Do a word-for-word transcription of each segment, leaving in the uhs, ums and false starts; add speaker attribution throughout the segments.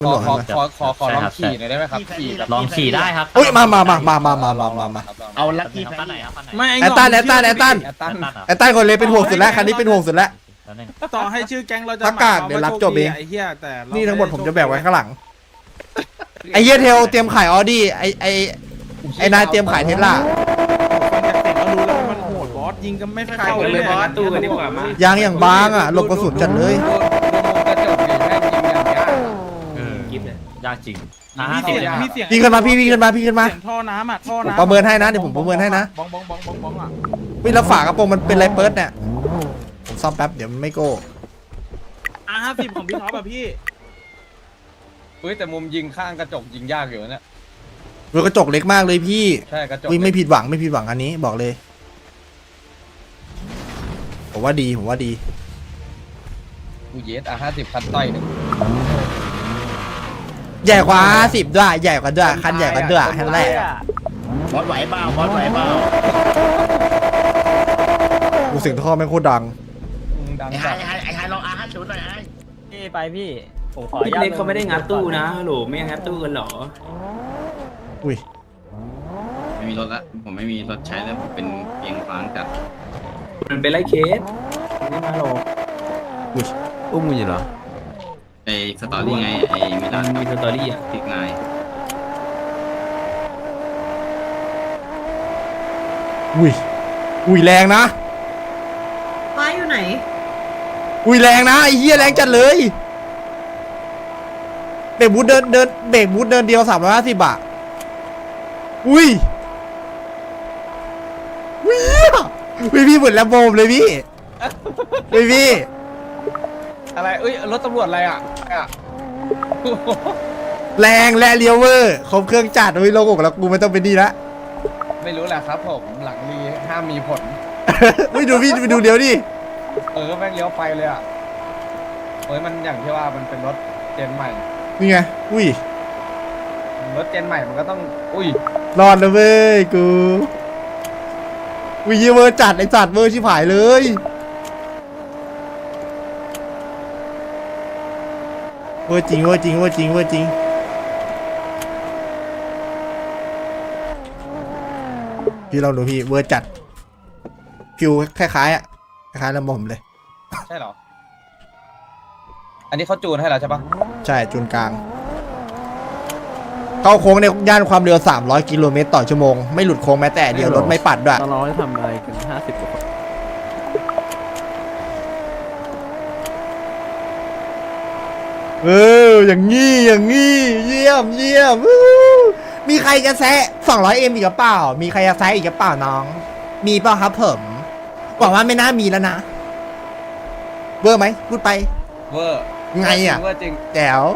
Speaker 1: ขอขอขอขอขอลองขี่หน่อยได้ไหมครับขี่แบบ
Speaker 2: ลองขี่ได้ครับ
Speaker 3: อุ้ยมามามามามามามามามา
Speaker 4: เอาลัค
Speaker 2: นี่
Speaker 4: กี้
Speaker 2: ครับ
Speaker 4: แพ
Speaker 2: ปั้นไหน
Speaker 4: น
Speaker 2: ครับปั้นไหน
Speaker 5: ไม่
Speaker 3: แอตตันแอตตันแอตตัน
Speaker 1: แอตตัน
Speaker 3: แอตตันคนเลยเป็นห่วงสุดแล้วคันนี้เป็นห่วงสุดแล้ว
Speaker 2: แล้วนึง
Speaker 5: ต่อให้ชื่อแก๊งเราจะ
Speaker 3: อากาศเดี๋ยวรับจบเอง
Speaker 5: ไอ้เหี้ยแต่เรา
Speaker 3: นี่ทั้งหมดผมจะแบกไว้ข้างหลังไอ้เหี้ยเทลเตรียมขายออดี้ไอ้ไอ้ไอ้นายเตรียมขายเทสลา
Speaker 5: ฟังจากเสียงก็รู้แล้วว่ามันโหดบอสยิงก็ไม่เข้าเลย
Speaker 4: บอสตู้กันดีกว่ามา
Speaker 3: ยางอย่างบางอ่ะหลบกระสุนจัดเลย
Speaker 1: ดูดูมุมกระจกดิแม่งยิงอย่างเงี้ย
Speaker 4: กิฟเลย
Speaker 2: ยากจริง
Speaker 5: มีเสียงมีเสียง
Speaker 3: พี่ขึ้นมาพี่พี่ขึ้นมาพี่ขึ้นมา
Speaker 5: เสียงท่อน้ำอ่ะท่อ
Speaker 3: ผม
Speaker 5: น้ำ
Speaker 3: ประเมินให้นะเดี๋ยวผมประเมินให้นะ
Speaker 5: บ้องบ้องบ้องบ้องบ้องอ่ะ
Speaker 3: วิแล้วฝากระโปรงมันเป็นไรเปิดเนี่ยผมซ่อมแป๊บเดี๋ยวมันไม่โก้
Speaker 5: อ่ะห้าสิบของพี่ท็อปอ่ะพี่
Speaker 1: เฮ้ยแต่มุมยิงข้างกระจกยิงยากอยู่นะเนี่ย
Speaker 3: รถกระจกเล็กมากเลยพี่
Speaker 1: ใช่กระจก
Speaker 3: วิไม่ผิดหวังไม่ผิดหวังอันนี้บอกเลยผมว่าดีผมว่าดี
Speaker 1: กูเยสอ่ะห้าสิบคันต้อยหนึ่ง
Speaker 3: ใหญ่กว่าสิบด้วยใหญ่กว่าด้วยคันใหญ่กว่าด้วยคันแรก
Speaker 4: บอสไหวเปล่าบอสไหวเปล่า
Speaker 3: กูเสียงท่อแม่งโคตรดัง
Speaker 1: ดัง
Speaker 4: ไอ้ไฮ
Speaker 1: จัด
Speaker 4: ไอ้ไฮไอ้ไฮลองอาร์ห้าศูนย์หน่อยไอ้
Speaker 2: พี่ไปพี่ผมขอ
Speaker 6: พี่เล็กเขาไม่ได้งัดตู้นะฮัลโหลไม่งัดตู้กันเหรอ
Speaker 3: อุ้ย
Speaker 7: ไม่มีรถละผมไม่มีรถใช้แล้วผมเป็นเพียงฟางจัด
Speaker 6: มันเป็นไรเคสไม่มาหรอก
Speaker 3: อุ้ย
Speaker 6: อุ้มมึงอยู่เหรอ
Speaker 7: ไอ้สตอรี่ไงไอ้มิลาน
Speaker 6: มีสตอรี่อ่ะ
Speaker 7: พิกนาย
Speaker 3: อุ้ยอุ้ยแรงนะ
Speaker 8: ป้าอยู่ไหน
Speaker 3: อุ้ยแรงนะไอ้เหี้ยแรงจัดเลยเบรกบูทเดินเดินเบรกบูทเดินเดียวสามร้อยห้าสิบบาทอุ้ยอุ้ยพี่พี่เหมือนแลมโบเลยพี่พี่พี่
Speaker 1: อะไรเอ้ยรถตำรวจอะไรอ่ะอ่ะ
Speaker 3: แรงและเลียวเวอร์ครบเครื่องจัดอุ้ยโลกแล้วกูไม่ต้องเป็นดีละ
Speaker 1: ไม่รู้แหละครับผมหลังรีห้ามมีผล
Speaker 3: ไม่ดูพี่ไปดูเดี๋ยวดิ
Speaker 1: เออแม่งเลี้ยวไปเลยอ่ะเฮ้ยมันอย่างที่ว่ามันเป็นรถเจนใหม่
Speaker 3: นี่ไงอุ้ย
Speaker 1: รถเจนใหม่มันก็ต้องอุ้ย
Speaker 3: รอดแล้วเว้ยกูอุ้ยเวอร์จัดไอ้จัดเวอร์ชิบหายเลยเวอร์จริงเวอร์จริงเวอร์จริงเวอร์จริงพี่ลองดูพี่เวอร์จัดฟิวคล้ายๆอ่ะคล้ายๆลำบผมเลย
Speaker 1: ใช่เหรออันนี้เขาจูนให้แล้วใช่ปะ
Speaker 3: ใช่จูนกลางเข้าโค้งในย่านความเร็วสามร้อยกิโลเมตรต่อชั่วโมงไม่หลุดโค้งแม้แต่เดียวรถไม่ปัดด้วย
Speaker 6: ตอนเราได้ทำอะไรกันห้าสิบกว่า
Speaker 3: เอออย่างงี้อย่างงี้เยี่ยมเยี่ยมอู้มีใครจะแซะสองร้อยเอ็มอีกหรือเปล่ามีใครจะแซะอีกหรือเปล่าน้องมีเปล่าครับผมหวังว่าไม่น่ามีแล้วนะเบอร์ไหมพูดไป
Speaker 1: เวอร์
Speaker 3: ไงอ่ะ
Speaker 1: เวอร์จริง
Speaker 3: แจ๋ว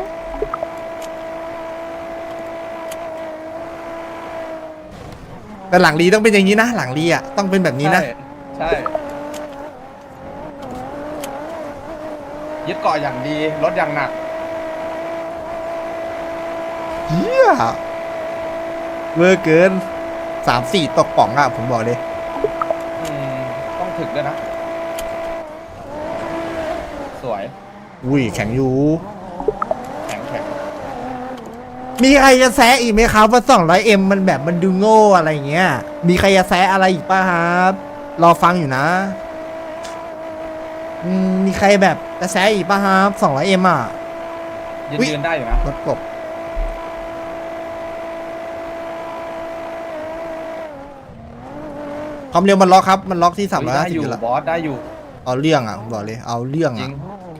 Speaker 3: แต่หลังรีต้องเป็นอย่างนี้นะหลังรีอ่ะต้องเป็นแบบนี้นะ
Speaker 1: ใช่ใช่ยึดเกาะอย่างดีรถอย่างหนัก
Speaker 3: เฮียเวอร์เกินสามสี่ตกป่องอ่ะผมบอกเลย
Speaker 1: อืมต้องถึกด้วยนะ สวย
Speaker 3: อุ้ยแข็งอยู่
Speaker 1: แข็งแข็ง
Speaker 3: มีใครจะแซะอีกไหมครับว่าสองร้อยเอ็มมันแบบมันดูโง่อะไรเงี้ยมีใครจะแซะอะไรอีกป่ะครับรอฟังอยู่นะอืมมีใครแบบจะแซะอีกป่ะครับสองร้อยเอ็มอ่ะ
Speaker 1: ยืน
Speaker 3: อุ๊ย
Speaker 1: ยืนได้อยู่นะ
Speaker 3: รถกบความเร็วมันล็อกครับมันล็อกที่สามร้อย
Speaker 1: ได้
Speaker 3: ห้าสิบ
Speaker 1: อยู่
Speaker 3: อยู่แล้ว
Speaker 1: บอสได้อยู่
Speaker 3: เอาเรื่องอ่ะผมบอกเลยเอาเรื่อง
Speaker 1: จริ
Speaker 3: อ่ะ
Speaker 1: ง